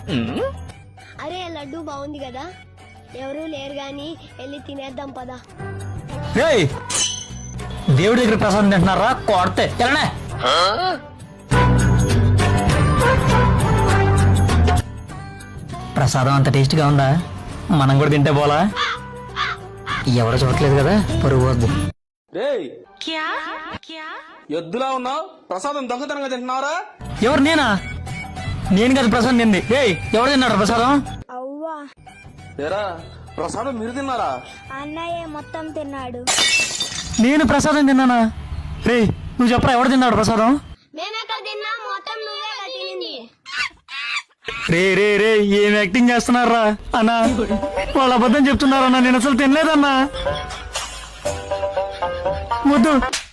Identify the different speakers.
Speaker 1: అరే లడ్డు బాగుంది కదా, ఎవరూ లేరు గాని వెళ్ళి తినేద్దాం పదా.
Speaker 2: దేవుడి దగ్గర ప్రసాదం తింటున్నారా కొడితే వెళ్ళనే. ప్రసాదం అంత టేస్ట్గా ఉందా? మనం కూడా తింటే పోలా? ఎవరో చూడట్లేదు కదా, పరుగు వద్దు.
Speaker 3: ఎద్దులా ఉన్నావు, ప్రసాదం దొంగతనంగా తింటున్నారా?
Speaker 2: ఎవరు? నేనా? నేను కదా ప్రసాదం తింది. ఎవరు తిన్నాడు ప్రసాదం?
Speaker 1: అవ్వా
Speaker 3: ఏరా, ప్రసాదం మీరు తిన్నారా?
Speaker 1: అన్నయ్య మొత్తం తిన్నాడు.
Speaker 2: నేను ప్రసాదం తిన్నానా? రే నువ్వు చెప్పరా, ఎవరు తిన్నాడు ప్రసాదం?
Speaker 1: మేమెక్కడ తిన్నాం, మొత్తం నువ్వే తినింది.
Speaker 2: రే రే రే ఏం యాక్టింగ్ చేస్తున్నారా అన్నా? వాళ్ళు అబద్ధం చెప్తున్నారన్నా, నేను అసలు తినలేదన్నా. వద్దు.